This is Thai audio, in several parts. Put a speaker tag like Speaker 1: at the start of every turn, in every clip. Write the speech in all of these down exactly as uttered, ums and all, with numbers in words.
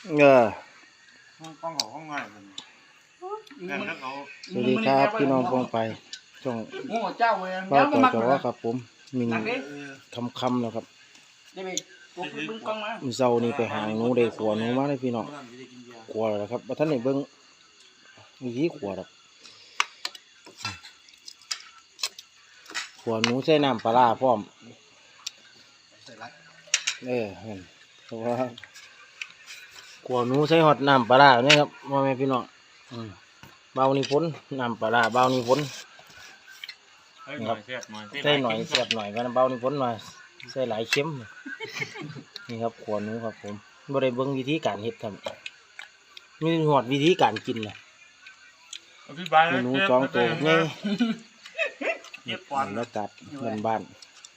Speaker 1: เออ
Speaker 2: ต้องเขาห้องง่ายเลยแต่ถ้าเขา
Speaker 1: สวัสดีครับพี่น้องพงไปช่องเบ้าต่อจอครับผมมินคำคำแล้วครับมื้อเช้านี้ไปหางหนูได้ขัวหนูมาเลยพี่น้องขัวแล้วครับบ่ทันได้เบิ่งวิธีขัวดอกขัวหนูใส่น้ำปลาร้าพร้อมเออเห็นเพราะว่าขัวหนูใส่ฮอดน้ำปลาร้าเนี่ยครับพ่อแม่พี่น้องอืมเบานี่พ้นน้ำปลาร้าเบานี่พ้นครับใส่หน่อยเสียบหน่อยกันเบานี่พ้นมาใส่หลายเข็มนี่ครับขัวหนูครับผมบ่ได้เบิ่งวิธีการเฮ็ดครับมีหอดวิธีการกินนะหนูสองตัวนี่บรรยากาศบ้าน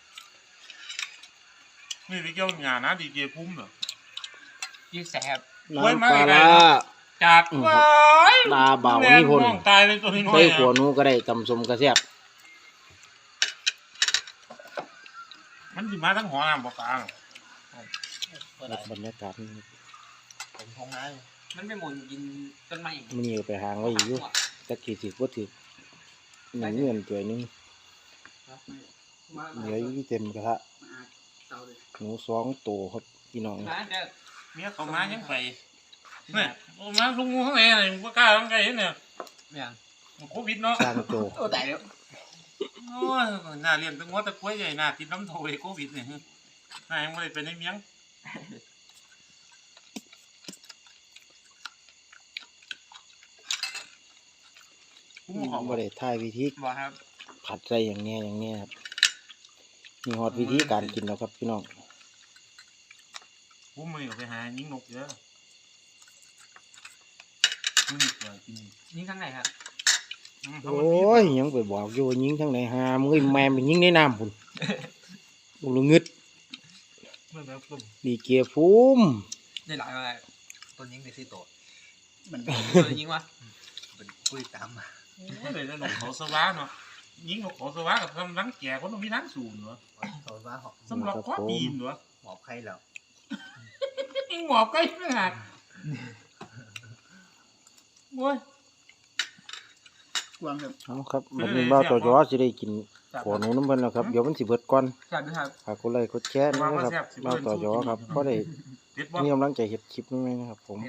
Speaker 1: ๆ
Speaker 2: นี่ที่เกี่ยวงานนะดีเจพุ่มเหรอ
Speaker 3: ยี่แสบ
Speaker 1: น้ำปลาร้า
Speaker 2: จากว้าย
Speaker 1: ตาเบานี่พ่น
Speaker 2: ตายเลยตัวนี้น้อย
Speaker 1: ใส่ขัวหนูก็ได้ตำส้มกระแซ่บ
Speaker 2: มันสิมาทั้งหัวน้ำปลาปลา
Speaker 1: บรรยากาศนี่
Speaker 3: ผมทงไงมันไม่หมุนกินต้นไม้
Speaker 1: มันนี่ไปหางไว้อยู่ตะกี้สิบ่ถือหนึ่งเงินตัวนึงเหลืออยู่เต็มกระทะหนูสองตัวครับพี่น้อง
Speaker 2: เมียเขามายังไปเนี่ยมาลุงงูข้างในอะไรมึงก็กล้าข้างในเนี่ยโควิดเนาะ
Speaker 1: สร้างโต
Speaker 3: โอ้แต่แล้ว
Speaker 2: โอ้ยน่าเลี้ยงตั้งหัวตะกล้วยใหญ่น่าติดน้ำโถยโควิดเนี่ยน่ายังไม่ได้เป็นในเมียงพุ่มหอม
Speaker 1: บ่ได้ถ่ายวิธี
Speaker 3: บอกครับ
Speaker 1: ผัดใส่อย่างเนี้ยอย่างเนี้ยครับมีฮอดวิธีการกินแล้วครับพี่น้อง
Speaker 2: พุ่มมันอยู่ไปหายิงนกเยอะพุ่มเกิดกิน
Speaker 3: นี่ข้างไหนครับ
Speaker 1: โอ้ยยังไปบอกอยู่ว่ายิงทางไหนหามึงแม่ไปยิงในน้ำพุ่นบุรุงึด
Speaker 2: ไม่แบบพุ่ม
Speaker 1: ดีเกียร์ฟูม
Speaker 3: ได้หลายอะไรต้นยิงในสี่ตัวมันต้นยิงวะเป็นคุยตามมา
Speaker 2: ไม่เลยนกเขาสวะเนาะยิงนกเขาสวะกับทำรังแก่คนต้องมีรังสูงเนาะ
Speaker 3: เขาว่าหอบ
Speaker 2: สำหรับข้อปีนเนาะ
Speaker 3: หอบใครแล้ว
Speaker 2: ยิงหมอบใกล้ไม่หักโว้ย
Speaker 3: กวางครับ
Speaker 1: เอาครับวันนี้บ้าวต่อจอสิได้กินขอหนูน้ำเพิ่นแล้วครับเดี๋ยวมันสิเบิดก่อน
Speaker 3: จัดด้วยครับ
Speaker 1: ฝากกดไลค์กดแชร์นะครับบ้าวต่อจอครับเพราะได้
Speaker 2: เด็ดบ่
Speaker 1: มีกำลังใจเฮ็ดคลิปนี้นะครับผม